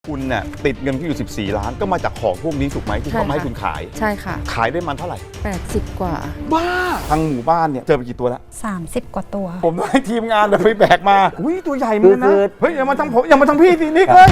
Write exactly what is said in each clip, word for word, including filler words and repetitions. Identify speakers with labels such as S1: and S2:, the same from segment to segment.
S1: คุณเนี่ยติดเงินที่อยู่สิบสี่ล้านก็มาจากของพวกนี้ถูกไหมที่เขามาให้คุณขาย
S2: ใช่ค่ะ
S1: ขายได้มันเท่าไหร่
S2: แปดสิบกว่า
S1: บ้าทางหมู่บ้านเนี่ยเจอไปกี่ตัวแล้ว
S3: สามสิบกว่าตัว
S1: ผมต้องให้ทีมงานไปแบกมาอุ้ยตัวใหญ่เหมือนกันนะเฮ้ยอย่ามาทำผมอย่ามาทำพี่สินิกเลย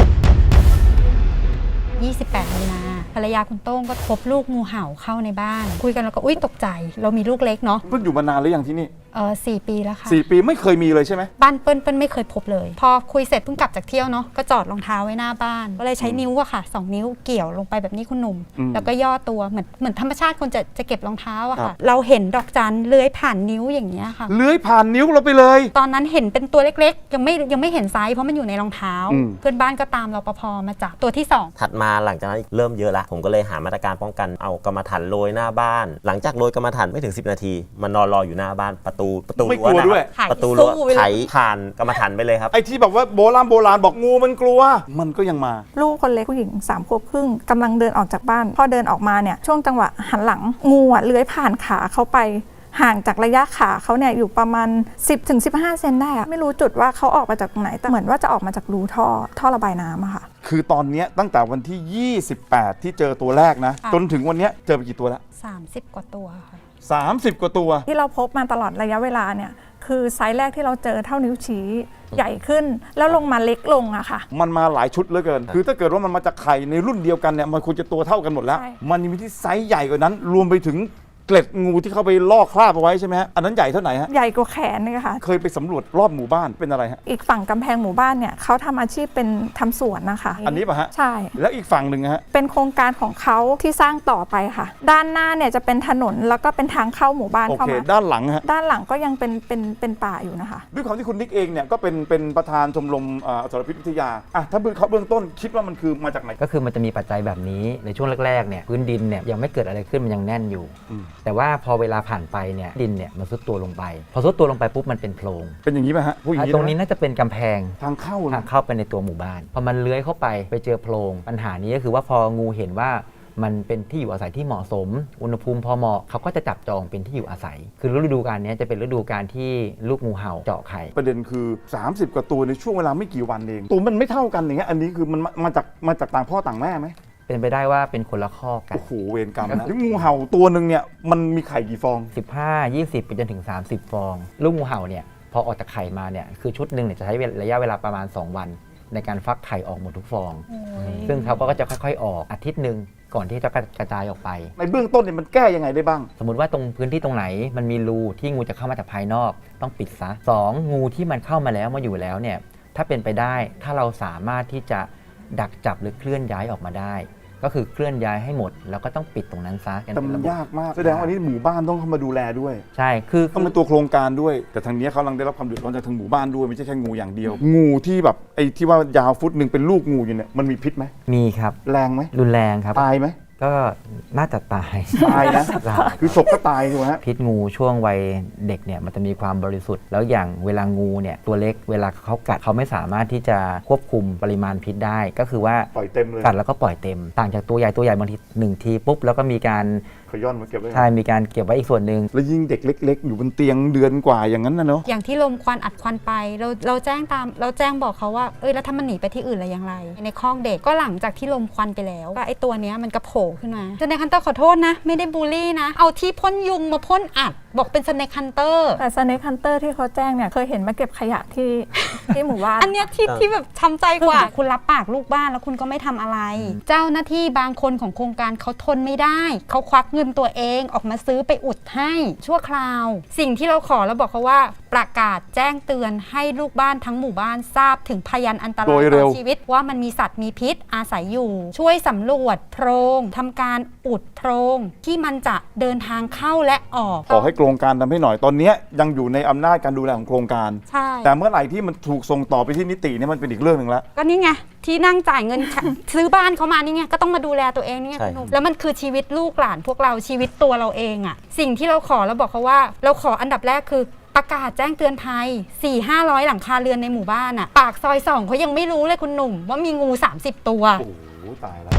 S3: ยี่สิบแปดมีนาภรรยาคุณโต้งก็พบลูกงูเห่าเข้าในบ้านคุยกันแล้วก็อุ้ยตกใจเรามีลูกเล็กเนาะ
S1: เพิ่งอยู่มานานหรือยังที่นี่
S3: เออสี่ปีแล้วค่ะ
S1: สี่ปีไม่เคยมีเลยใช่ไหม
S3: บ้านเปิ้ลเปิ้ลไม่เคยพบเลยพอคุยเสร็จเพิ่งกลับจากเที่ยวเนาะก็จอดรองเท้าไว้หน้าบ้านก็เลยใช้นิ้วอะค่ะสองนิ้วเกี่ยวลงไปแบบนี้คุณหนุ่มแล้วก็ย่อตัวเหมือนเหมือนธรรมชาติคนจะจะเก็บรองเท้าอะค่ะเราเห็นดอกจันเลื้อยผ่านนิ้วอย่างเงี้ยค่ะ
S1: เลื้อยผ่านนิ้วเราไปเลย
S3: ตอนนั้นเห็นเป็นตัวเล็กๆยังไม่ยังไม่เห็นไซส์เพราะมันอยู่ในรองเท้าเพื่อนบ้านก็ตามรปภมาจับตัวที่สอง
S4: ถัดมาหลังจากนั้นเริ่มเยอะละผมก็เลยหามาตรการป้องกันเอากรรมฐานโรยหน้าบ้านหลังจากโรยกรรมฐานไม่ถึงสิบนาทีมันนอนรออยู่หน้าบ้านประตูประตูรั้วนะครับประตูรั้วไถผ่านกรรมฐานไปเลยครับ
S1: ไอ้ที่แบบว่าโบราณโบราณบอกงูมันกลัวมันก็ยังมา
S5: ลูกคนเล็กผู้หญิงสามขวบครึ่งกำลังเดินออกจากบ้านพอเดินออกมาเนี่ยช่วงจังหวะหันหลังงูอ่ะเลื้อยผ่านขาเขาไปห่างจากระยะขาเขาเนี่ยอยู่ประมาณ สิบถึงสิบห้า เซนได้อะไม่รู้จุดว่าเขาออกมาจากตรงไหนแต่เหมือนว่าจะออกมาจากรูท่อท่อระบายน้ำอะค่ะ
S1: คือตอนนี้ตั้งแต่วันที่ยี่สิบแปดที่เจอตัวแรกนะจนถึงวันนี้เจอไปกี่ตัวแล้ว
S3: สามสิบกว่าตัวค่ะ
S1: สามสิบกว่าตัว
S5: ที่เราพบมาตลอดระยะเวลาเนี่ยคือไซส์แรกที่เราเจอเท่านิ้วชี้ใหญ่ขึ้นแล้วลงมาเล็กลงอะค่ะ
S1: มันมาหลายชุดเหลือเกินคือถ้าเกิดว่ามันมาจากไข่ในรุ่นเดียวกันเนี่ยมันควรจะตัวเท่ากันหมดแล้วมันมีที่ไซส์ใหญ่กว่านั้นรวมไปถึงเกล็ดงูที่เข้าไปลอกคราบเอาไว้ใช่ไหมฮะอันนั้นใหญ่เท่าไหร่ฮะ
S5: ใหญ่กว่าแขนเลยค่ะ
S1: เคยไปสำรวจรอบหมู่บ้านเป็นอะไรฮะ
S5: อีกฝั่งกำแพงหมู่บ้านเนี่ยเขาทำอาชีพเป็นทำสวนนะคะ
S1: อันนี้ป่ะฮะ
S5: ใช่
S1: แล้วอีกฝั่งหนึ่งฮะ
S5: เป็นโครงการของเขาที่สร้างต่อไปค่ะด้านหน้าเนี่ยจะเป็นถนนแล้วก็เป็นทางเข้าหมู่บ้านเข้ามา
S1: ด้านหลังฮะ
S5: ด้านหลังก็ยังเป็นเป็นเป็นป่าอยู่นะคะ
S1: ด้วยความที่คุณนิกเองเนี่ยก็เป็นเป็นประธานชมรมอสรพิษวิทยาอ่ะถ้าเบื้องเขาเบื้องต้นคิดว่ามันคือมาจากไหน
S6: ก็คือมันจะมีปัจจัยแบบนี้ในช่วงแรกๆเนี่ยพื้นดินเนี่ยยังไม่เกิดอะไรขึ้นมันยังแน่นอยู่แต่ว่าพอเวลาผ่านไปเนี่ยดินเนี่ยมันซุดตัวลงไปพอซุดตัวลงไปปุ๊บมันเป็นโพรง
S1: เป็นอย่างนี้ไหมฮะ
S6: ตรงนี้น่าจะเป็นกำแพง
S1: ทางเข้า
S6: ทางเข้าไปในตัวหมู่บ้านพอมันเลื้อยเข้าไปไปเจอโพรงปัญหานี้ก็คือว่าพองูเห็นว่ามันเป็นที่อยู่อาศัยที่เหมาะสมอุณหภูมิพอเหมาะเขาก็จะจับจองเป็นที่อยู่อาศัยคือฤดูกาลนี้จะเป็นฤดูกาลที่ลูกงูเห่าเจาะไข่
S1: ประเด็นคือสามสิบกว่าตัวในช่วงเวลาไม่กี่วันเองตัวมันไม่เท่ากันอย่างเงี้ยอันนี้คือมันมาจากมาจากต่างพ่อต่างแม่ไหม
S6: เป็นไปได้ว่าเป็นคนละข้อกัน
S1: โอ้โหเวรกรรมนะงูเห่าตัวหนึ่งเนี่ยมันมีไข่กี่ฟอง
S6: สิบห้า ยี่สิบไปจนถึงสามสิบฟองลูกงูเห่าเนี่ยพอออกจากไข่มาเนี่ยคือชุดหนึ่งเนี่ยจะใช้ระยะเวลาประมาณสองวันในการฟักไข่ออกหมดทุกฟองซึ่งเขาก็จะค่อยๆออกอาทิตย์หนึ่งก่อนที่จะกระจายออกไป
S1: ในเบื้องต้นเนี่ยมันแก้ยังไงได้บ้าง
S6: สมมติว่าตรงพื้นที่ตรงไหนมันมีรูที่งูจะเข้ามาจากภายนอกต้องปิดซะสองงูที่มันเข้ามาแล้วมาอยู่แล้วเนี่ยถ้าเป็นไปได้ถ้าเราสามารถที่จะดักจับหรือเคลื่อนย้ายออกมาได้ก็คือเคลื่อนย้ายให้หมดแล้วก็ต้องปิดตรงนั้นซะ
S1: แต่มันยากมากแสดงว่าอันนี้หมู่บ้านต้องเข้ามาดูแลด้วย
S6: ใช่คือ
S1: ต้องเป็นตัวโครงการด้วยแต่ทางนี้เขากำลังได้รับความเดือดร้อนจากทางหมู่บ้านด้วยไม่ใช่แค่งูอย่างเดียวงูที่แบบไอ้ที่ว่ายาวฟุตหนึ่งเป็นลูกงูอยู่เนี่ยมันมีพิษไหม
S6: มีครับ
S1: แรงไหม
S6: รุนแรงครับ
S1: ตายไหม
S6: ก็น่าจะตาย
S1: ตายนะคือฉกก็ตายถูกไหม
S6: พิษงูช่วงวัยเด็กเนี่ยมันจะมีความบริสุทธิ์แล้วอย่างเวลางูเนี่ยตัวเล็กเวลาเขากัดเขาไม่สามารถที่จะควบคุมปริมาณพิษได้ก็คือว่า
S1: ปล่อยเต็มเลย
S6: กัดแล้วก็ปล่อยเต็มต่างจากตัวใหญ่ตัวใหญ่บางทีหนึ่งทีปุ๊บแล้วก็มีการ
S1: ขย้อนมาเก็บไว้
S6: ใช่มีการเก็บไว้อีกส่วนหนึ่ง
S1: แล้วยิ่งเด็กเล็กๆอยู่บนเตียงเดือนกว่าอย่างนั้นนะเนาะ
S3: อย่างที่ลมควันอัดควันไปเราเราแจ้งตามเราแจ้งบอกเขาว่าเอ้ยแล้วถ้ามันหนีไปที่อื่นอะไรอย่างไรในคอกเด็กก็หลังจากที่ลมควันไปแล้วก็ไอ้ตัวเนี้ยมันกระโผล่ขึ้นมาสเนคฮันเตอร์ขอโทษนะไม่ได้บูลลี่นะเอาที่พ่นยุงมาพ่นอัดบอกเป็นสเนคฮันเตอร์
S5: แต่สเนคฮันเตอร์ที่เขาแจ้งเนี่ยเคยเห็นมาเก็บขยะที่ที่หมู่บ้าน
S3: อันเนี้ยที่ที่แบบช้ำใจกว่าคุณรับปากลูกบ้านแล้วคุณก็ไม่ทำอะไรเจ้าหน้าที่บางคนของโครงการเขาทนไม่ได้เขาควักเงินตัวเองออกมาซื้อไปอุดให้ชั่วคราวสิ่งที่เราขอแล้วบอกเขาว่าประกาศแจ้งเตือนให้ลูกบ้านทั้งหมู่บ้านทราบถึงพยานอันตรายต่อชีวิตว่ามันมีสัตว์มีพิษอาศัยอยู่ช่วยสำรวจโพรงทำการอุดโพรงที่มันจะเดินทางเข้าและออก
S1: ขอให้โครงการทำให้หน่อยตอนนี้ยังอยู่ในอำนาจการดูแลของโครงการ
S3: ใช่
S1: แต่เมื่อไหร่ที่มันถูกส่งต่อไปที่นิติเนี่ยมันเป็นอีกเรื่องหนึ่งแล้ว
S3: ก็นี่ไงที่นั่งจ่ายเงิน ซื้อบ้านเขามานี่ไงก็ต้องมาดูแลตัวเองนี่ไงแล้วมันคือชีวิตลูกหลานพวกเราชีวิตตัวเราเองอะสิ่งที่เราขอแล้วบอกเขาว่าเราขออันดับแรกคือประกาศแจ้งเตือนภัย สี่ห้าร้อย หลังคาเรือนในหมู่บ้านอะปากซอยสองเขายังไม่รู้เลยคุณหนุ่มว่ามีงูสามสิบตัว
S1: โอ้โหตายแล้ว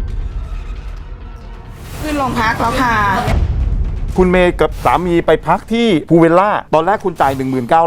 S2: ขึ้นโรงพักแล้วค่ะ
S1: คุณเมย์กับสามีไปพักที่ภูเวลล่าตอนแรกคุณจ่าย หนึ่งหมื่นเก้าพัน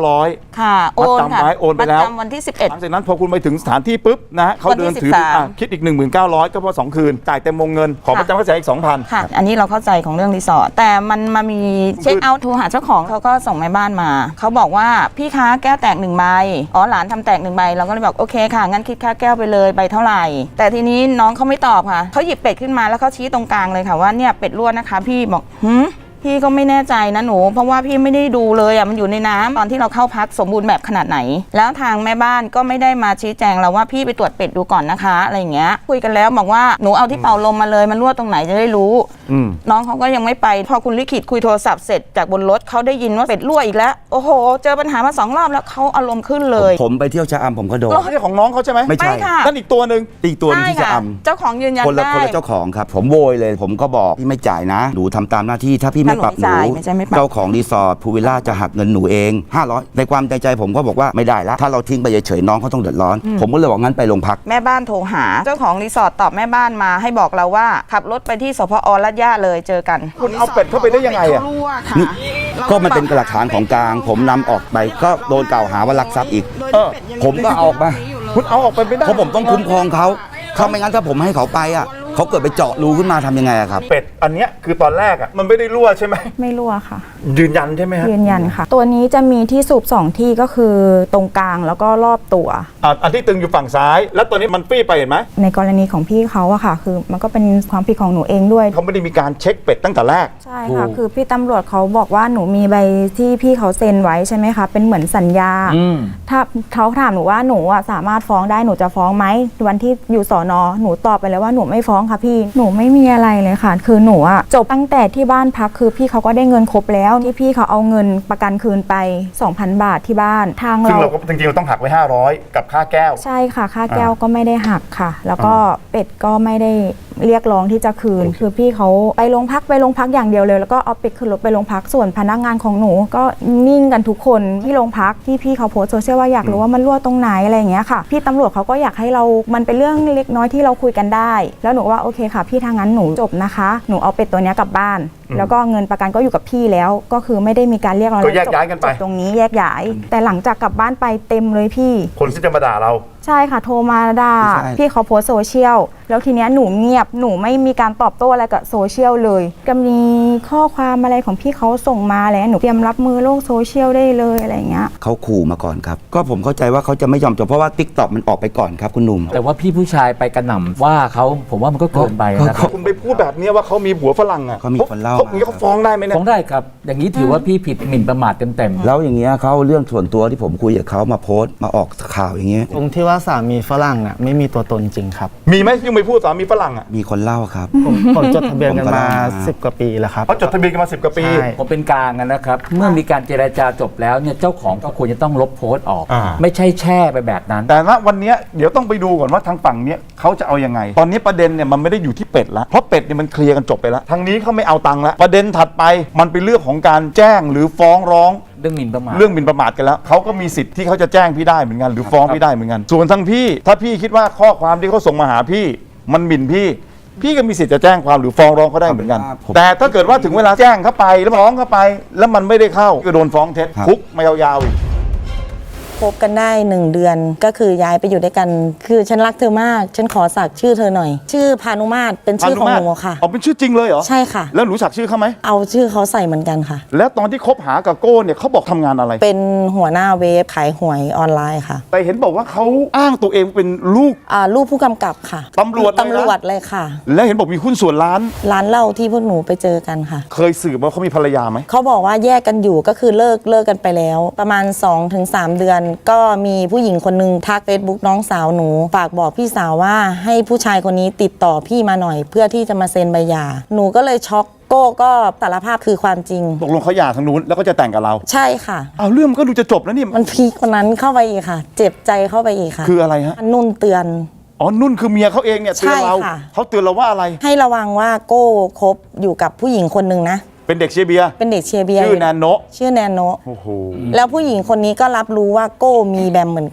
S2: ค่ะโอน
S1: มัดจำ
S2: ค่ะ
S1: ไว้โอนไปแล้ว
S2: มัดจำวันที่สิบเอ็ด
S1: หลังจากนั้นพอคุณไปถึงสถานที่ปุ๊บนะฮะเขาเดินถือ
S2: วันที่สิบสาม
S1: อ่ะคิดอีก หนึ่งพันเก้าร้อย ก็เพราะสองคืนจ่ายเต็มวงเงินขอประจำค่าเสียอีก สองพัน
S2: ค่ะ อันนี้เราเข้าใจของเรื่องรีสอร์ทแต่มันมามีเช็คเอาท์โทรหาเจ้าของเขาก็ส่งแม่บ้านมาเขาบอกว่าพี่คะแก้วแตกหนึ่งใบอ๋อหลานทำแตกหนึ่งใบเราก็เลยบอกโอเคค่ะงั้นคิดค่าแก้วไปเลยใบเท่าไหร่แต่ทีนี้น้องเขาไม่ตอบค่ะเขาหยิบเป็ดขึ้นมาแล้วเขาชี้ตรงกลางเลยค่ะว่าเนี่ยเป็ดรั่วนะคะพี่บอกหืมพี่ก็ไม่แน่ใจนะหนูเพราะว่าพี่ไม่ได้ดูเลยอ่ะมันอยู่ในน้ำตอนที่เราเข้าพักสมบูรณ์แบบขนาดไหนแล้วทางแม่บ้านก็ไม่ได้มาชี้แจงเราว่าพี่ไปตรวจเป็ดดูก่อนนะคะอะไรอย่างเงี้ยคุยกันแล้วบอกว่าหนูเอาที่เป่าลมมาเลยมันรั่วตรงไหนจะได้รู้
S1: อืม
S2: น้องเขาก็ยังไม่ไปพอคุณลิขิตคุยโทรศัพท์เสร็จจากบนรถเขาได้ยินว่าเป็ดรั่วอีกแล้วโอ้โหเจอปัญหามาสองรอบแล้วเขาอารมณ์ขึ้นเลย
S7: ผมไปเที่ยวชะอำผมก็โดน
S1: ไม่ใช่ของน้องเขาใช่ไหม
S7: ไม่ใช่
S2: ค่ะ
S1: นั่นอีกตัวหนึ่ง
S7: อีกตัวหนึงที่
S2: ใช่
S7: ชะ
S2: ค่
S7: อ
S2: เจ้าของยืนยัน
S7: ำคนละ
S2: ได้
S7: คนละเจ้าของครับ ผมโวยเลย ผมก็บอกพี่ไม่จ่ายนะ หนูทำตามหน้าที่ถ้าพี่ไม่ปรับหนู
S2: ถ้าหนูไม่จ่ายไม่ใช่ไม่ปรับ
S7: เจ้าของรีสอร์ทพูวิลล่าจะหักเงินหนูเองห้าร้อยในความใจใจผมก็บอกว่าไม่ได้ละถ้าเราทิ้งไปเฉยๆน้องเขาต้องเดือดร้อน ผมก็เลยบอกงั้นไปโรงพัก
S2: แม่บ้านโทรหาเจ้าของรีสอร์ทตอบแม่บ้านมาให้บอกเราว่าขับรถไปที่สพอลาดย่าเลยเจอกัน
S1: คุณเอาเป็ดเข้าไปได้ยังไงอ่ะ
S7: นี่ก็มันเป็นหลักฐานของกลาง ผมนำออกไปก็โดนกล่าวหาว่าลักทรัพย์อีก
S1: เออ
S7: ผมก็เอาออกมา
S1: คุณเอาออกไปไม่ได้
S7: เพราะผมต้องคุ้มครองเขาเขาไม่งั้นถ้าผมให้เขาไปอ่ะเขาเกิดไปเจาะรูขึ้นมาทำยังไงอะครับ
S1: เป็ดอันเนี้ยคือตอนแรกอ่ะมันไม่ได้รั่วใช่ไหม
S5: ไม่รั่วค่ะ
S1: ยืนยันใช่ไหมฮะ
S5: ยืนยันค่ะ ตัวนี้จะมีที่สูบสองที่ก็คือตรงกลางแล้วก็รอบตัว
S1: อ่ะอันที่ตึงอยู่ฝั่งซ้าย แล้วตัวนี้มันฟี่ไปเห็นไหม
S5: ในกรณีของพี่เขาอะค่ะ คือมันก็เป็นความผิดของหนูเองด้วย
S1: เขาไม่ได้มีการเช็คเป็ดตั้งแต่แรก
S5: ใช่ค่ะ คือพี่ตำรวจเขาบอกว่าหนูมีใบที่พี่เขาเซ็นไว้ใช่ไหมคะ เป็นเหมือนสัญญา ถ้าเขาถามหนูว่าหนูอะสามารถฟ้องได้หนูจะฟ้องไหมวันที่อยู่สอนอหนูตอบไปแล้วว่าหนูไม่ฟ้องค่ะพี่หนูไม่มีอะไรเลยค่ะ คือหนูอะจบตั้งแต่ที่บ้านพักคือพี่เขาก็ได้เงินครบแล้วที่พี่เขาเอาเงินประกันคืนไป สองพัน บาทที่บ้านทาง
S1: ซึ่ง
S5: เรา
S1: เราก็จริงๆเราต้องหักไว้ห้าร้อยกับค่าแก้ว
S5: ใช่ค่ะค่าแก้วก็ไม่ได้หักค่ะ แล้วก็เป็ดก็ไม่ได้เรียกร้องที่จะคืน คือพี่เขาไปโรงพักไปโรงพักอย่างเดียวเลยแล้วก็เอาเป็ดขึ้นรถไปโรงพักส่วนพนักงานของหนูก็นิ่งกันทุกคนที่โรงพักที่พี่เขาโพสต์โซเชียลว่าอยากรู้ว่ามันรั่วตรงไหนอะไรอย่างเงี้ยค่ะพี่ตำรวจเขาก็อยากให้เรามันเป็นเรื่องเล็กน้อยที่เราคุยกันได้แล้วหนูว่าโอเคค่ะพี่ทางนั้นหนูจบนะคะหนูเอาเป็ดตัวเนี้ยกลับบ้านแล้วก็เงินประกันก็อยู่กับพี่แล้วก็คือไม่ได้มีการเรียกร้อง
S1: ก็แยกย้ายกันไป
S5: จบตรงนี้แยกย้ายแต่หลังจากกลับบ้านไปเต็มเลยพี่
S1: คนที่จะมาด่าเรา
S5: ใช่ค่ะโทรมาด่า
S7: ใช่
S5: พี่เขาโพสต์โซเชียลแล้วทีเนี้ยหนูเงียบหนูไม่มีการตอบโต้อะไรกับโซเชียลเลยก็มีข้อความอะไรของพี่เขาส่งมาอะไรหนูเตรียมรับมือโลกโซเชียลได้เลยอะไรอย่างเงี้ย
S7: เขาขู่มาก่อนครับก็ผมเข้าใจว่าเขาจะไม่ยอมจบเพราะว่าติ๊กต็อกมันออกไปก่อนครับคุณหนุ่ม
S8: แต่ว่าพี่ผู้ชายไปกระหน่ำว่าเขาผมว่ามันก็เกินไปนะครับ
S1: คุณไปพูดแบบเนี้ยว่าเขามีผัวฝรั่งอ่ะ
S7: เขามีคนเล่า
S1: เขาอย่างนี้เขาฟ้องได้ไหมเนี่ย
S8: ฟ้องได้ครับ อย่างนี้ถือว่าพี่ผิดหมิ่นประมาทเต็มๆ
S7: แล้วอย่างเงี้ยเขาเอาเรื่องส่วนตัวที่ผมคุยกับเขามาโพสต์มาออกข่าวอย่างเงี้ย
S9: ตรงที่ว่าสามีฝรั่งอ่ะไม่มีตัวตนจริงครับ
S1: มีไหมที่ไปพูดสามีฝรั่งอ่ะ
S7: มีคนเล่าครับ
S9: ผมผมจดทะเบียนกัน
S7: ผมก็
S9: มา
S7: เล่ามา
S9: สิบกว่าปีแล้วครับ
S1: เขาจดทะเบียนกันมาสิบกว่าปี
S9: ใช่
S8: ผมเป็นกลางนะครับ เมื่อมีการเจรจาจบแล้วเนี่ยเจ้าของก็ควรจะต้องลบโพสต์ออก
S1: อ่า
S8: ไม่ใช่แช่ไปแบบนั้น
S1: แต่ณวันเนี้ยเดี๋ยวต้องไปดูก่อนว่าทางฝั่งเนี้ยเขาจะเอายังไง ตอนนี้ประเด็นเนี่ยมันไม่ได้อยู่ที่เป็ดละเพราะเป็ดเนี่ยมันเคลียร์กันจบไปแล้วทางนี้เขาไม่เอาตังค์ละประเด็นถัดไปมันเป็นเรื่องของการแจ้งหรือฟ้องร้อง
S8: เรื่องหมิ่นประมาท
S1: เรื่องหมิ่นประมาทกันแล้วเขาก็มีสิทธิ์ที่เขาจะแจ้งพี่ได้เหมือนกันหรือฟ้องพี่ได้เหมือนกัน ส่วนทางพี่ถ้าพี่คิดว่าข้อความที่เขาส่งมาหาพี่มันหมิ่นพี่ พี่ก็มีสิทธิ์จะแจ้งความหรือฟ้องร้องเขาได้เหมือนกัน
S7: ผม
S1: แต่ถ้าเกิดว่าถึงเวลาแจ้งเข้าไปแล้วฟ้องเข้าไป แล้วมันไม่ได้เข้าก็โดนฟ้องเท็จ
S7: ครับ
S1: คุกมายาวๆอีก
S10: คบกันได้หนึ่งเดือนก็คือย้ายไปอยู่ด้วยกัน คือฉันรักเธอมาก ฉันขอสักชื่อเธอหน่อย ชื่อพานุมาตรเป็นชื่อของหนูค่ะ
S1: อ๋อเป็นชื่อจริงเลยเหรอ
S10: ใช่ค่ะ
S1: แล้วหนูสักชื่อเขาไหม
S10: เอาชื่อเขาใส่เหมือนกันค่ะ
S1: แล้วตอนที่คบหากับโก้เนี่ยเขาบอกทำงานอะไร
S10: เป็นหัวหน้าเว็บขายหวยออนไลน์ค่ะ
S1: แต่เห็นบอกว่าเขาอ้างตัวเองเป็นลูก
S10: อ่าลูกผู้กำกับค่ะ
S1: ตำรวจเลยนะ
S10: ตำรวจเลยค่ะ
S1: แล้วเห็นบอกมีหุ้นส่วนร้าน
S10: ร้านเหล้าที่พวกหนูไปเจอกันค่ะ
S1: เคยสืบว่าเขามีภรรยาไหม
S10: เขาบอกว่าแยกกันอยู่ก็คือเลิกเลิกกันไปแล้ว ประมาณ สองถึงสาม เดือน ก็มีผู้หญิงคนนึงทักเฟซบุ๊กน้องสาวหนู ฝากบอกพี่สาวว่าให้ผู้ชายคนนี้ติดต่อพี่มาหน่อย เพื่อที่จะมาเซ็นใบหย่าหนูก็เลยช็อกโก้ก็สารภาพคือความจริง
S1: ตกลงเขาหย่าทางนู้นแล้วก็จะแต่งกับเรา
S10: ใช่ค่ะ
S1: อ้าวเรื่องมันก็ดูจะจบแล้วนี่
S10: มันพีคกว่านั้นเข้าไปอีกค่ะ เจ็บใจเข้าไปอีกค่ะ
S1: คืออะไรฮะ
S10: อันนุ่นเตือน
S1: อ๋อนุ่นคือเมียเขาเองเนี่ยเตือนเรา
S10: ใช่ค่ะ
S1: เขาเตือนเราว่าอะไร
S10: ให้ระวังว่าโก้คบอยู่กับผู้หญิงคนหนึ่งนะ
S1: เป็นเด็กเชียร์เบียร์
S10: เป็นเด็กเชียร์เบียร์
S1: ชื่อแนนโนะ
S10: ชื่อแนนโนะ
S1: โอ้โห
S10: แล้วผู้หญิงคนนี้ก็รับรู้ว่าโก้มีแบมเหมือนกัน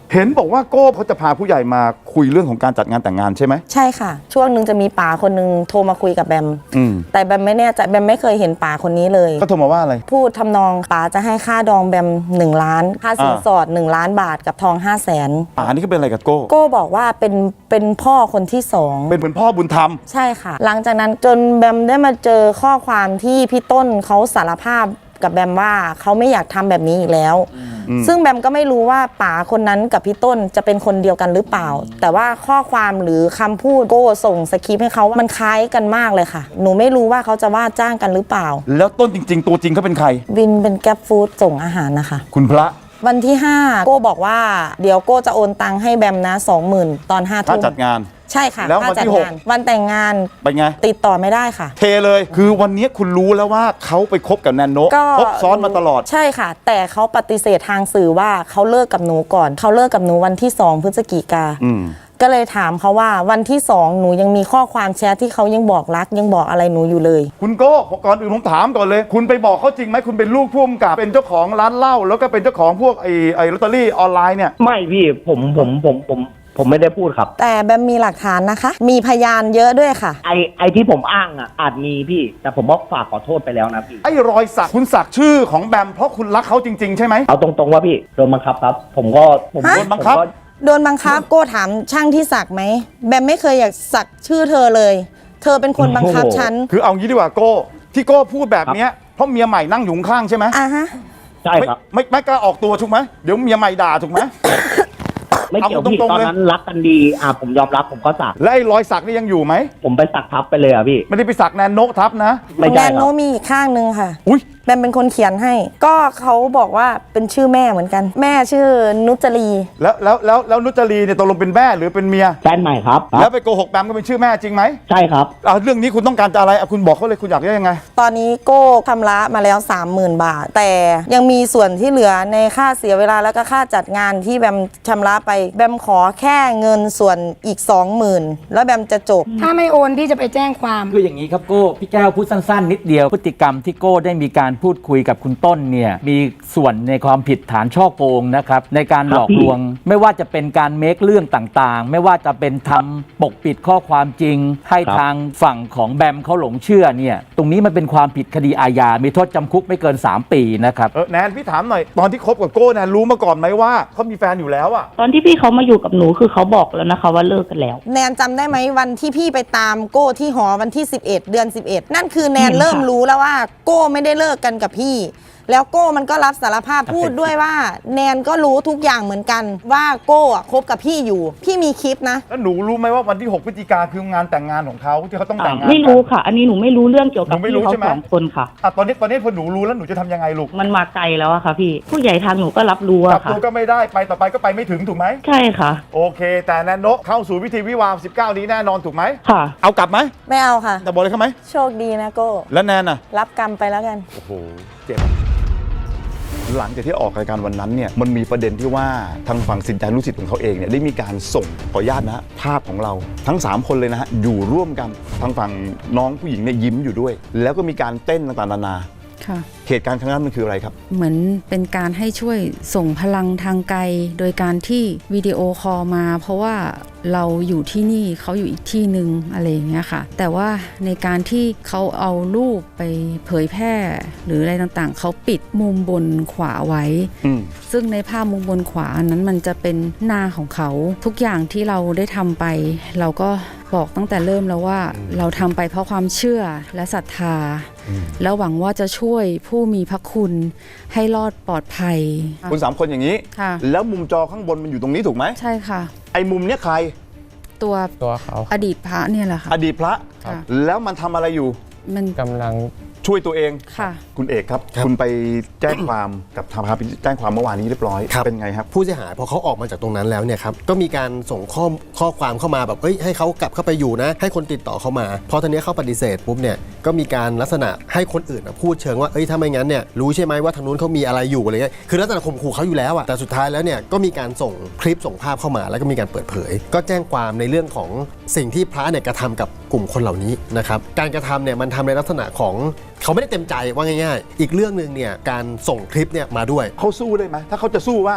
S1: เห็นบอกว่าโก้เขาจะพาผู้ใหญ่มาคุยเรื่องของการจัดงานแต่งงานใช่ไหม
S10: ใช่ค่ะช่วงหนึ่งจะมีป๋าคนหนึ่งโทรมาคุยกับแบม
S1: อืม
S10: แต่แบมไม่แน่ใจแบมไม่เคยเห็นป๋าคนนี้เลย
S1: ก็โทรมาว่าอะไร
S10: พูดทำนองป๋าจะให้ค่าดองแบมหนึ่งล้านค่าสินสอดหนึ่งล้านบาทกับทองห้าแสน
S1: ป่านี่ก็เป็นอะไรกับโก้
S10: โก้บอกว่าเป็นเป็นพ่อคนที่สอง
S1: เป็นเหมือนพ่อบุญธรรม
S10: ใช่ค่ะ หลังจากนั้นจนแบมได้มาเจอข้อความที่พี่ต้นเขาสารภาพกับแบมว่าเขาไม่อยากทำแบบนี้อีกแล้ว ซึ่งแบมก็ไม่รู้ว่าป๋าคนนั้นกับพี่ต้นจะเป็นคนเดียวกันหรือเปล่า แต่ว่าข้อความหรือคำพูดโก้ส่งสคริปต์ให้เขามันคล้ายกันมากเลยค่ะหนูไม่รู้ว่าเขาจะว่าจ้างกันหรือเปล่า
S1: แล้วต้นจริง ๆ ตัวจริงเขาเป็นใคร
S10: วินเป็นแก๊ปฟู้ดส่งอาหารนะคะ
S1: คุณพระ
S10: วันที่ห้าโก้บอกว่าเดี๋ยวโก้จะโอนตังค์ให้แบมนะสองหมื่นตอนห้า
S1: ถ้า
S10: ทุ่ม
S1: จัดงาน
S10: ใช่ค่ะ
S1: แล้ววันที่
S10: ค่าจัด
S1: หก
S10: งานวันแต่งงาน
S1: เป็นไง
S10: ติดต่อไม่ได้ค่ะ
S1: เทเลย คือวันนี้คุณรู้แล้วว่าเขาไปคบกับแนนโนะ
S10: ก็
S1: คบซ้อนมาตลอด
S10: ใช่ค่ะ แต่เขาปฏิเสธทางสื่อว่าเขาเลิกกับหนูก่อน เขาเลิกกับหนูวันที่สองพฤศจิกา
S1: อืม
S10: ก็เลยถามเขาว่าวันที่สองหนูยังมีข้อความแชทที่เขายังบอกรักยังบอกอะไรหนูอยู่เลย
S1: คุณโก้ก่อนอื่นผมถามก่อนเลย คุณไปบอกเขาจริงไหมคุณเป็นลูกผู้กำกับเป็นเจ้าของร้านเหล้าแล้วก็เป็นเจ้าของพวกไอ้ไอ้ลอตเตอรี่ออนไลน์เนี่ย
S11: ไม่พี่ผมผมผมผมผมไม่ได้พูดครับ
S10: แต่แบมมีหลักฐานนะคะ มีพยานเยอะด้วยค่ะ
S11: ไอไอที่ผมอ้างอ่ะอาจมีพี่ แต่ผมบอกฝากขอโทษไปแล้วนะพี่
S1: ไอ้รอยสักคุณสักชื่อของแบมเพราะคุณรักเขาจริงๆใช่ไหม
S11: เอาตรงๆว่าพี่โดนบังคับครับ ผมก็ผม
S10: ฮะ
S1: โดนบังคับ
S11: ผมก็
S10: โดนบังคับโก้ถามช่างที่สักไหมแบมไม่เคยอยากสักชื่อเธอเลย เธอเป็นคนบังคับฉัน
S1: คือเอางี้ดีกว่าโก้ที่โก้พูดแบบเนี้ยเพราะเมียใหม่นั่งอยู่ข้างใช่ไหม
S10: อ่ะฮะ
S11: ใช่
S1: ไม่
S11: ครับ
S1: ไม่ไม่กล้าออกตัวถูกไหมเดี๋ยวเมียใหม่ด่าถูกไหม
S11: ไม่เกี่ยว
S1: เอา
S11: พี่
S1: ตรงๆ
S11: ตอน
S1: เลย
S11: นั้นรักกันดีอ่ะผมยอมรับผมก็สัก
S1: และไอ้รอยสักนี่ยังอยู่ไหม
S11: ผมไปสักทับไปเลยอ่ะพี่
S1: ไม่ได้ไปสักแนนโนะทับนะ
S11: ไม่
S10: แน
S11: ใช่
S10: น
S11: ค
S10: โน
S11: รับ
S10: มีอีกข้างหนึ่งค่ะ
S1: อุ้ย
S10: แบมเป็นคนเขียนให้ ก็เขาบอกว่าเป็นชื่อแม่เหมือนกัน แม่ชื่อนุจรี
S1: แล้วแล้วแล้วแล้วนุจรีเนี่ยตกลงเป็นแม่หรือเป็นเมีย
S11: แฟนใหม่ครับค
S1: แล้
S11: รั
S1: ว
S11: บ
S1: ไปโกหกแบมก็เป็นชื่อแม่จริงไหม
S11: ใช่ครับ
S1: เอาเรื่องนี้คุณต้องการจะอะไรเอาคุณบอกเขาเลยคุณอยากได้ยังไง
S10: ตอนนี้โก้ชำระมาแล้ว สามหมื่น บาท แต่ยังมีส่วนที่เหลือในค่าเสียเวลาแล้วก็ค่าจัดงานที่แบมชำระไปแบมขอแค่เงินส่วนอีก สองหมื่น แล้วแบมจะจบ
S12: ถ้าไม่โอนพี่จะไปแจ้งความ
S8: คืออย่างนี้ครับโก้พี่แก้วพูดสั้นๆ นิดเดียวพฤติกรรมที่โก้ได้มีการพูดคุยกับคุณต้นเนี่ยมีส่วนในความผิดฐานช่อโกงนะครับในการหลอกลวง ไม่ว่าจะเป็นการเมคเรื่องต่างๆ ไม่ว่าจะเป็นทำปกปิดข้อความจริง ให้
S11: ครับ
S8: ทางฝั่งของแบมเขาหลงเชื่อเนี่ยตรงนี้มันเป็นความผิดคดีอาญา มีโทษจำคุกไม่เกิน สาม ปีนะครับ
S1: เออแนนพี่ถามหน่อยตอนที่คบกับโก้แนนรู้มาก่อนไหมว่าเขามีแฟนอยู่แล้วอะ
S13: ตอนที่พี่เขามาอยู่กับหนูคือเขาบอกแล้วนะคะว่าเลิกกันแล้ว
S10: แนนจำได้ไหมวันที่พี่ไปตามโก้ที่หอวันที่สิบเอ็ดเดือนสิบเอ็ดนั่นคือแนน
S13: เห็นค่ะ
S10: เริ่มรู้แล้วว่าโก้ไม่ได้เลิกกันกับพี่ แล้วโก้มันก็รับสารภาพพูดด้วยว่า แนนก็รู้ทุกอย่างเหมือนกันว่าโก้อะคบกับพี่อยู่ พี่มีคลิปนะ
S1: แล้วหนูรู้ไหมว่าวันที่หกพฤศจิกาคืองานแต่งงานของเขาที่เขาต้องแต่งงาน
S13: ไม่รู้ค่ะ อันนี้หนูไม่รู้เรื่องเกี่ยวกับ
S1: หนูไม่
S13: พี่
S1: รู้
S13: เขา
S1: ใช่ไหม
S13: สองคนค่ะ
S1: อ่ะตอนนี้ตอนนี้พอหนูรู้แล้วหนูจะทำยังไงลูก
S13: มันมาไกลแล้วอะค่ะพี่ ผู้ใหญ่ทางหนูก็รับรู้
S1: จับ
S13: อะค่ะ
S1: ตัวก็ไม่ได้ไปต่อไปก็ไปไม่ถึงถูกไหม
S13: ใช่ค่ะ
S1: โอเค แต่แนนโนะเข้าสู่พิธีวิวาห์สิบเก้านี้แน่นอนถูกไหม
S13: ค่ะ
S1: เอากลับไหม
S10: ไม่เอาค่ะ
S1: จะบอกเลยเขาไหม
S10: โชคดีนะโก้
S1: แล้วแนนอ่ะ
S10: รับกรรมไปแล้วกัน
S1: โอ้โหเจ็บหลังจากที่ออกรายการวันนั้นเนี่ยมันมีประเด็นที่ว่าทางฝั่งสินใจลูกศิษย์ของเขาเองเนี่ยได้มีการส่งขออนุญาตนะฮะภาพของเราทั้งสามคนเลยนะฮะอยู่ร่วมกันทางฝั่งน้องผู้หญิงเนี่ยยิ้มอยู่ด้วย แล้วก็มีการเต้นต่างๆนานา
S12: ค่ะ
S1: เหตุการณ์ครั้งนั้นมันคืออะไรครับ
S12: เหมือนเป็นการให้ช่วยส่งพลังทางไกล โดยการที่วิดีโอคอลมา เพราะว่าเราอยู่ที่นี่เขาอยู่อีกที่หนึ่งอะไรอย่างเงี้ยค่ะ แต่ว่าในการที่เขาเอารูปไปเผยแพร่ หรืออะไรต่างๆ เขาปิดมุมบนขวาไว้ ซึ่งในภาพมุมบนขวานั้นมันจะเป็นหน้าของเขาทุกอย่างที่เราได้ทำไป เราก็บอกตั้งแต่เริ่มแล้วว่าเราทำไปเพราะความเชื่อและศรัทธา แล้วหวังว่าจะช่วยผู้มีพระคุณให้รอดปลอดภัย
S1: คุณสามคนอย่างนี้
S12: ค่ะ
S1: แล้วมุมจอข้างบนมันอยู่ตรงนี้ถูกไหม
S12: ใช่ค่ะ
S1: ไอ้มุมเนี้ยใคร
S12: ตัว
S9: ตัวเขา
S12: อดีตพระเนี่ยแหละค่ะ
S1: อดีตพระ
S12: ค่ะ
S1: แล้วมันทำอะไรอยู่
S12: มัน
S9: กำลัง
S1: ช่วยตัวเอง
S12: ค่ะ
S1: คุณเอกครับ คุณไปแจ้งความกับทางพาไปแจ้งความเมื่อวานนี้เรียบร้อยเป็นไงครับ
S14: ผู้เสียหายพอเขาออกมาจากตรงนั้นแล้วเนี่ยครับก็มีการส่งข้อข้อความเข้ามาแบบเอ้ยให้เขากลับเข้าไปอยู่นะ ให้คนติดต่อเข้ามาพอทีนี้เขาปฏิเสธปุ๊บเนี่ยก็มีการลักษณะให้คนอื่นพูดเชิงว่าเอ้ยถ้าไม่งั้นเนี่ยรู้ใช่ไหมว่าทางนู้นเขามีอะไรอยู่อะไรเงี้ยคือลักษณะข่มขู่เขาอยู่แล้วอะแต่สุดท้ายแล้วเนี่ยก็มีการส่งคลิปส่งภาพเข้ามาแล้วก็มีการเปิดเผย ก็แจ้งความในเรื่องของสิ่งที่พระเนี่ยกระทำกับกลุ่มคนเหล่านี้นะครับการกระทำเนี่ยมันทำในลักษณะของเขาไม่ได้เต็มใจว่าง่ายๆอีกเรื่องนึงเนี่ยการส่งคลิปเนี่ยมาด้วย
S1: เขาสู้ได้ไหมถ้าเขาจะสู้ว่า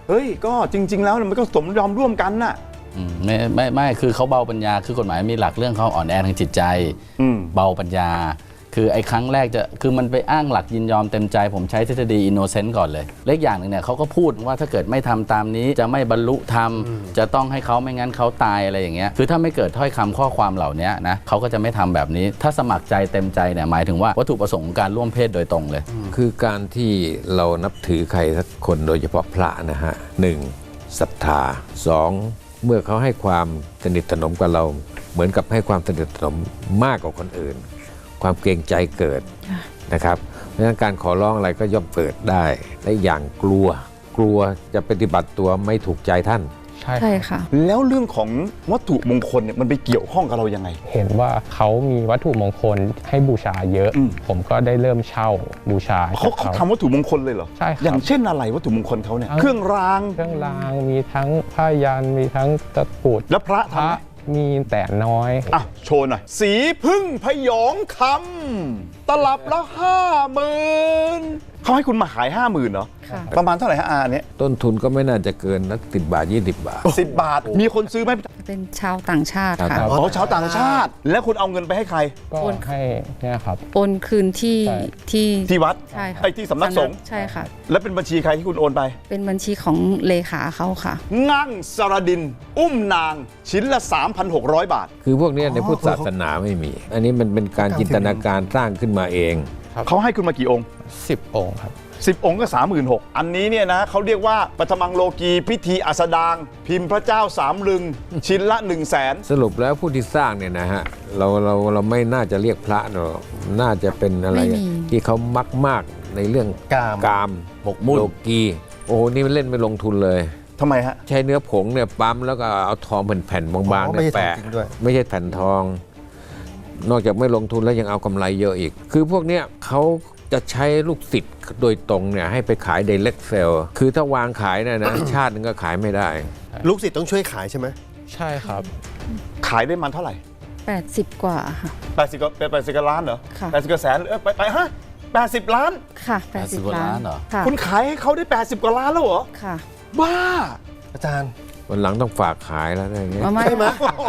S1: เฮ้ยก็จริง ๆ แล้วมันก็สมยอมร่วมกันน่ะ
S15: ไม่ไม่ไม่คือเขาเบาปัญญาคือกฎหมายมีหลักเรื่องเขาอ่อนแอทางจิตใจเบาปัญญาคือไอ้ครั้งแรกจะคือมันไปอ้างหลักยินยอมเต็มใจผมใช้ทฤษฎีอินโนเซนต์ก่อนเลยเล็กอย่างหนึ่งเนี่ยเขาก็พูดว่าถ้าเกิดไม่ทำตามนี้จะไม่บรรลุธรรมจะต้องให้เขาไม่งั้นเขาตายอะไรอย่างเงี้ยคือถ้าไม่เกิดถ้อยคำข้อความเหล่านี้นะเขาก็จะไม่ทำแบบนี้ถ้าสมัครใจเต็มใจเนี่ยหมายถึงว่าวัตถุประสงค์ของการร่วมเพศโดยตรงเลย
S16: คือการที่เรานับถือใครสักคนโดยเฉพาะพระนะฮะหนึ่งศรัทธาสองเมื่อเขาให้ความสนิทสนมกับเราเหมือนกับให้ความสนิทสนมมากกว่าคนอื่นความเกรงใจเกิดนะครับเพราะฉะนั้นการขอร้องอะไรก็ย่อมเกิดได้และอย่างกลัวกลัวจะปฏิบัติตัวไม่ถูกใจท่าน
S17: ใช่
S12: ใช่ค่ะ
S1: แล้วเรื่องของวัตถุมงคลเนี่ยมันไปเกี่ยวข้องกับเรายังไง
S17: เห็นว่าเขามีวัตถุมงคลให้บูชาเยอะ ผมก็ได้เริ่มเช่าบูชา
S1: เขาเขาทำวัตถุมงคลเลยเหรอ
S17: ใช่ครับ
S1: อย่างเช่นอะไรวัตถุมงคลเขาเนี่ยเครื่องราง
S17: เครื่องรางมีทั้งผ้ายันมีทั้งตะกรุด
S1: แล้วพระทำไหม
S17: มีแต่น้อย
S1: อ่ะโชว์หน่อยสีพึ่งพยองคำตลับละห้าหมื่นเขาให้คุณมาขายห้าหมื่นเหรอประมาณเท่าไหร่ฮะอาเนี่ย
S16: ต้นทุนก็ไม่น่าจะเกินนักสิบบาทยี่สิบบาท
S1: สิบบาทมีคนซื้อไหม
S12: เป็นชาวต่างชาติค่ะ
S1: อ๋อชาวต่างชาติ แล้วคุณเอาเงินไปให้ใคร
S17: ก็ให้เนี่ยครับ
S12: โอนคืนที่ที่
S1: ที่วัด
S12: ใช่ค่ะ
S1: ไอ้ที่สำนักสงฆ์
S12: ใช่ค่ะ
S1: แล้วเป็นบัญชีใครที่คุณโอนไป
S12: เป็นบัญชีของเลขาเขาค่ะ
S1: งั่งสรดิน อุ้มนางชิ้นละ สามพันหกร้อย บาท
S16: คือพวกนี้ในพุทธศาสนาไม่มี อันนี้มันเป็นการจินตนาการสร้างขึ้นมาเอง
S1: เขาให้คุณมากี่องค์
S17: สิบองค์ครับ
S1: สิบองค์ก็ สามหมื่นหกพัน อันนี้เนี่ยนะเขาเรียกว่าปฐมังโลกีพิธีอัสดาง พิมพ์พระเจ้าสามลึง ชิ้นละ หนึ่งแสน
S16: สรุปแล้วผู้ที่สร้างเนี่ยนะฮะเราเราเราไม่น่าจะเรียกพระหรอกน่าจะเป็นอะไร
S12: ไม่มี
S16: ที่เขามักมากในเรื่องกามกาม
S1: หมกมุ่น
S16: โลกีโอ้โหนี่มันเล่นไม่ลงทุนเลย
S1: ทำไมฮะ
S16: ใช้เนื้อผงเนี่ยปั๊มแล้วก็เอาทองแผ่นๆบางๆเนี่ยแปะไม่ใช่แผ่นทอง นอกจากไม่ลงทุนแล้วยังเอากำไรเยอะอีก คือพวกเนี้ยเขาจะใช้ลูกศิษย์โดยตรงเนี่ยให้ไปขาย direct sell คือถ้าวางขายเนี่ยนะ ชาตินึงก็ขายไม่ได้
S14: ลูกศิษย์ต้องช่วยขายใช่ไหม
S17: ใช่ครับ
S1: ขายได้มันเท่าไหร่
S12: แปดสิบกว่าค่ะ
S1: แปดสิบก็แปดสิบกว่าล้านเหรอ
S12: ค่ะ
S1: แปดสิบกว่าแสนเออไปไปฮะแปดสิบล้าน
S12: ค่ะแปดสิบล้านค่ะ
S1: คุณขายให้เขาได้แปดสิบกว่าล้านแล้วเหรอ
S12: ค่ะ
S1: บ้า
S14: อาจารย์
S16: วันหลังต้องฝากขายแล้วอะไรอย่างเงี้ย
S12: ไม่
S14: ใช่ไหม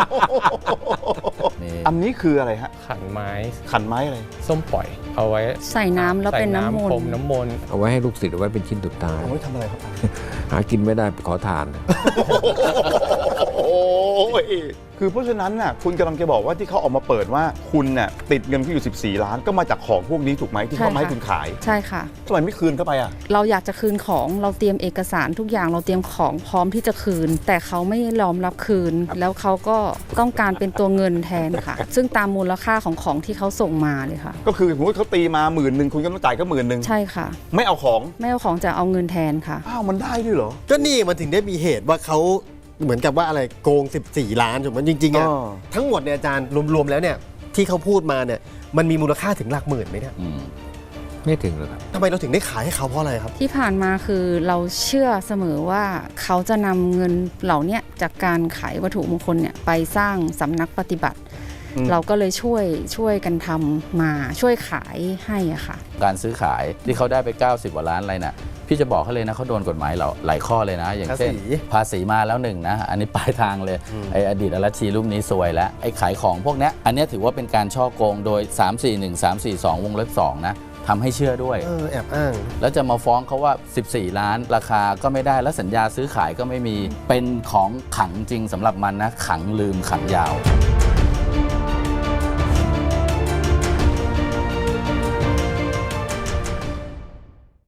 S1: อันนี้คืออะไรฮะ
S17: ขันไม้
S1: ขันไม้อะไร
S17: ส้มปล่อย เอาไว้
S12: ใส่น้ำแล้วเป็นน้ำมน
S17: พรม
S12: ต์
S17: น้ำมนต์
S16: เอาไว้ให้ลูกศิษย์เอาไว้เป็นชิ้นสุดท้าย
S1: เอาไว้ทำอะไรครับ
S16: หากินไม่ได้ไปขอทาน
S1: โอ้ยคือเพราะฉะนั้นน่ะคุณกำลังจะบอกว่าที่เขาออกมาเปิดว่าคุณน่ะติดเงินที่อยู่สิบสี่ล้านก็มาจากของพวกนี้ถูกไหมที่เขามาให้คุณขาย
S12: ใช่ค่ะ
S1: ทำไมไม่คืนเข้าไปอ่ะ
S12: เราอยากจะคืนของเราเตรียมเอกสารทุกอย่างเราเตรียมของพร้อมที่จะคืน แต่เขาไม่ยอมรับคืน แล้วเขาก็ต้องการเป็นตัวเงินแทนค่ะ ซึ่งตามมูลค่าของของที่เขาส่งมาเลยค่ะ
S1: ก็คือสมมติเขาตีมาหมื่นหนึ่งคุณก็ต้องจ่ายก็หมื่นหนึ่ง
S12: ใช่ค่ะ
S1: ไม่เอาของ
S12: ไม่เอาของจะเอาเงินแทนค่ะ
S1: อ้าวมันได้ด้วยเหรอ
S14: ก็นี่มันถึงได้มีเหตุว่าเขาเหมือนกับว่าอะไรโกงสิบสี่ล้านถูกไหมจริงๆอ่ะ
S1: อ๋อ
S14: ทั้งหมดเนี่ยอาจารย์รวมๆแล้วเนี่ยที่เขาพูดมาเนี่ยมันมีมูลค่าถึงหลักหมื่นไหมเนี่ย
S16: ไม่ถึงหรอกครับ
S14: ทำไมเราถึงได้ขายให้เขาเพราะอะไรครับ
S12: ที่ผ่านมาคือเราเชื่อเสมอว่าเขาจะนำเงินเหล่านี้จากการขายวัตถุมงคลเนี่ยไปสร้างสำนักปฏิบัติ
S1: อืม
S12: เราก็เลยช่วยช่วยกันทำมาช่วยขายให้อะค่ะ
S15: การซื้อขายที่เขาได้ไปเก้าสิบกว่าล้านอะไรน่ะพี่จะบอกเขาเลยนะเขาโดนกฎหมายเราหลายข้อเลยนะ อย่างเช่น
S14: ภาษี
S15: ภาษีมาแล้วหนึ่งนะอันนี้ปลายทางเลยไออดีตอรัชชีรูปนี้ซวยแล้วไอขายของพวกเนี้ยอันเนี้ยถือว่าเป็นการช่อโกงโดย สาม สี่ หนึ่ง สาม สี่ สอง วงเล็บสองนะทำให้เชื่อด้วย
S14: เออแอบอ้าง
S15: แล้วจะมาฟ้องเขาว่าสิบสี่ล้านราคาก็ไม่ได้แล้วสัญญาซื้อขายก็ไม่มีเป็นของขังจริงสำหรับมันนะขังลืมขังยาว